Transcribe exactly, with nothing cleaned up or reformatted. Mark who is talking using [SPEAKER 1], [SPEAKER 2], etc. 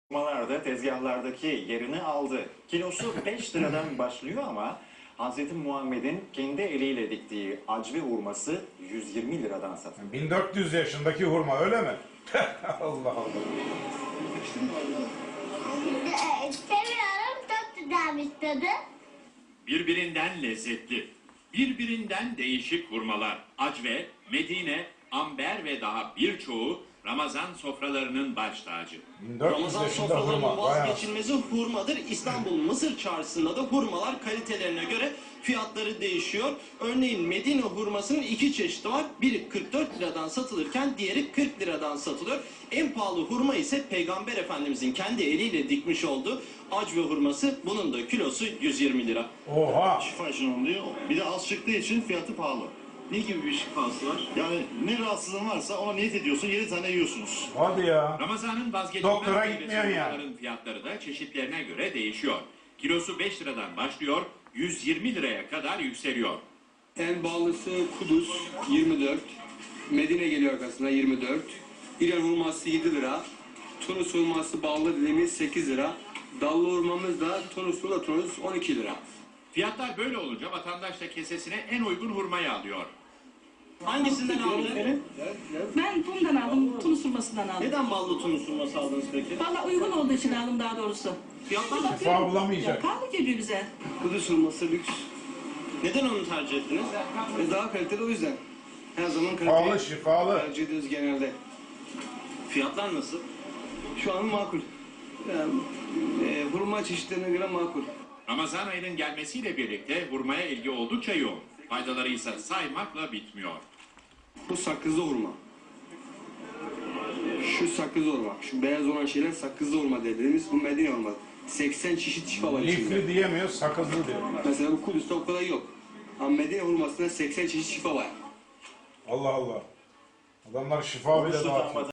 [SPEAKER 1] Hurmalar da tezgahlardaki yerini aldı. Kilosu beş liradan başlıyor ama Hazreti Muhammed'in kendi eliyle diktiği acve hurması yüz yirmi liradan satılıyor.
[SPEAKER 2] bin dört yüz yaşındaki hurma öyle mi? Allah Allah.
[SPEAKER 3] Seviyorum, çok güzelmiş tadı.
[SPEAKER 4] Birbirinden lezzetli, birbirinden değişik hurmalar, acve, Medine, amber ve daha birçoğu Ramazan sofralarının baş tacı.
[SPEAKER 2] bin dört yüz
[SPEAKER 5] Ramazan
[SPEAKER 2] yaşında
[SPEAKER 5] sofralarının
[SPEAKER 2] hurma. Bayağı.
[SPEAKER 5] vazgeçilmezi hurmadır. İstanbul Mısır Çarşısı'nda da hurmalar kalitelerine göre fiyatları değişiyor. Örneğin Medine hurmasının iki çeşidi var. Biri kırk dört liradan satılırken diğeri kırk liradan satılıyor. En pahalı hurma ise Peygamber Efendimizin kendi eliyle dikmiş olduğu acve hurması. Bunun da kilosu yüz yirmi lira.
[SPEAKER 2] Oha.
[SPEAKER 6] Şifa için oluyor. Bir de az çıktığı için fiyatı pahalı.
[SPEAKER 5] Ne gibi bir şifası var?
[SPEAKER 6] Yani ne rahatsızlığın varsa ona niyet ediyorsun, yedi tane yiyorsunuz.
[SPEAKER 2] Hadi ya.
[SPEAKER 4] Ramazan'ın vazgeçilmez
[SPEAKER 2] Doktora
[SPEAKER 4] meyvesi
[SPEAKER 2] gitmiyorsun yani.
[SPEAKER 4] hurmaların fiyatları da çeşitlerine göre değişiyor. Kilosu beş liradan başlıyor, yüz yirmi liraya kadar yükseliyor.
[SPEAKER 7] En pahalısı Kudüs yirmi dört. Medine geliyor arkasında yirmi dört. İran hurması yedi lira. Tunus hurması ballı dediğimiz sekiz lira. Dallı hurmamız da Tunuslu da Tunus on iki lira.
[SPEAKER 4] Fiyatlar böyle olunca vatandaş da kesesine en uygun hurmayı alıyor.
[SPEAKER 5] Hangisinden aldın?
[SPEAKER 8] Ben bundan aldım, Tunus hurmasından aldım.
[SPEAKER 5] Neden ballı tunus hurması aldınız peki?
[SPEAKER 8] Valla uygun olduğu için aldım daha doğrusu.
[SPEAKER 5] Fiyatlar
[SPEAKER 8] Ama
[SPEAKER 2] Şifa
[SPEAKER 8] ya,
[SPEAKER 2] bulamayacak.
[SPEAKER 8] pahalı geliyor bize.
[SPEAKER 7] Kudüs hurması lüks.
[SPEAKER 5] Neden onu tercih ettiniz?
[SPEAKER 7] Ve daha kaliteli o yüzden. Her zaman
[SPEAKER 2] Pahalı,
[SPEAKER 7] kaliteyi
[SPEAKER 2] şifalı.
[SPEAKER 7] tercih ediyoruz genelde.
[SPEAKER 5] Fiyatlar nasıl?
[SPEAKER 7] Şu an makul. Yani, e, hurma çeşitlerine göre makul.
[SPEAKER 4] Ramazan ayının gelmesiyle birlikte hurmaya ilgi oldukça yoğun. Faydaları ise saymakla bitmiyor.
[SPEAKER 7] Bu sakızlı hurma. Şu sakızlı hurma. Şu beyaz olan şeyler sakızlı hurma dediğimiz bu Medine hurma. seksen çeşit şifa var içinde.
[SPEAKER 2] Lifli diyemiyor, sakızlı diyor.
[SPEAKER 7] Mesela bu Kudüs'te o kadar yok. Ama Medine hurmasında seksen çeşit şifa var.
[SPEAKER 2] Allah Allah. Adamlar şifa bile dağıtıyor.